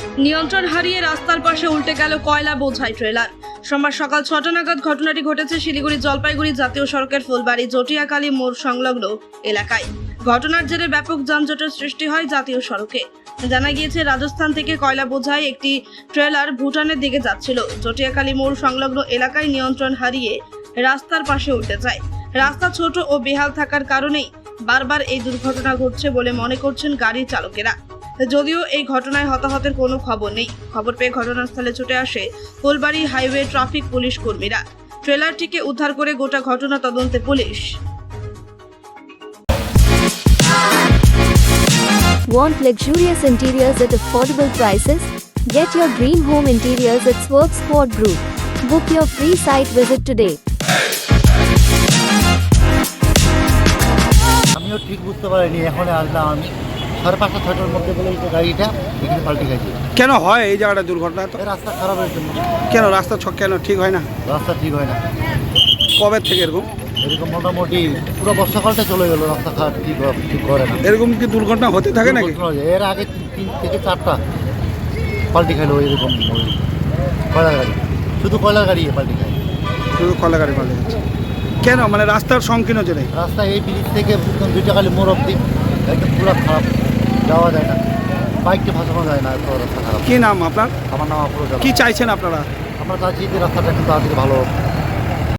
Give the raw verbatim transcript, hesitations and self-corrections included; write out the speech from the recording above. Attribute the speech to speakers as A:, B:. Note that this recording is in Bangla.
A: নিয়ন্ত্রণ হারিয়ে রাস্তার পাশে উল্টে গেল কয়লা বোঝাই ট্রেলার। সোমবার সকাল ছটা নাগাদ ঘটনাটি ঘটেছে শিলিগুড়ি জলপাইগুড়ি জাতীয় সড়কের ফুলবাড়ি জটিয়াকালী মোড় সংলগ্ন এলাকায়। ঘটনার জেরে ব্যাপক যানজটের সৃষ্টি হয় জাতীয় সড়কে। জানা গিয়েছে, রাজস্থান থেকে কয়লা বোঝাই একটি ট্রেলার ভুটানের দিকে যাচ্ছিল। জটিয়াকালী মোড় সংলগ্ন এলাকায় নিয়ন্ত্রণ হারিয়ে রাস্তার পাশে উল্টে যায়। রাস্তা ছোট ও বেহাল থাকার কারণেই বারবার এই দুর্ঘটনা ঘটছে বলে মনে করছেন গাড়ির চালকেরা। যদিও এই ঘটনায় হতাহতের কোনো খবর নেই। খবর পেয়ে ঘটনাস্থলে ছুটে আসে ফুলবাড়ি হাইওয়ে ট্রাফিক পুলিশ কর্মীরা। ট্রেলারটিকে উদ্ধার করে গোটা ঘটনা তদন্তে পুলিশ।
B: Want luxurious interiors at affordable prices? Get your dream home interiors at Swerve Squad Group. Book your free site visit today.
C: আমিও ঠিক বুঝতে পারিনি, এখন আসলাম আমি সাড়ে পাঁচটা ছয়টার মধ্যে বলে এই গাড়িটা এখানে পাল্টে গেছে।
D: কেন হয় এই জায়গাটা দুর্ঘটনা? তো
C: এই রাস্তা খারাপ হয়েছে।
D: কেন রাস্তা ছ কেন ঠিক হয় না?
C: রাস্তা ঠিক হয় না।
D: কবে থেকে এরকম?
C: এরকম মোটামুটি পুরো বর্ষাকালটা চলে গেল, রাস্তা খারাপ ঠিক ঠিক করে না।
D: এরকম কি দুর্ঘটনা হতে থাকে নাকি?
C: এর আগে তিন থেকে চারটা পাল্টি খাইলো এরকম ওই কয়লার গাড়ি, শুধু কয়লার গাড়ি পাল্টি খায়।
D: শুধু কলা গাড়ি পাল্টে যাচ্ছে কেন? মানে রাস্তার সংকীর্ণ জেনে
C: রাস্তা এই ব্রিজ থেকে দুইটাকালী মোড় অব্দি একদম পুরো খারাপ, যাওয়া যায় না, বাইককে ফাঁসানো যায় না, এত রাস্তা খারাপ।
D: কি নাম আপনার?
C: আমার নাম আফরোজ।
D: কি চাইছেন আপনারা?
C: আমরা চাচ্ছি যে রাস্তাটা একটু তাড়াতাড়ি ভালো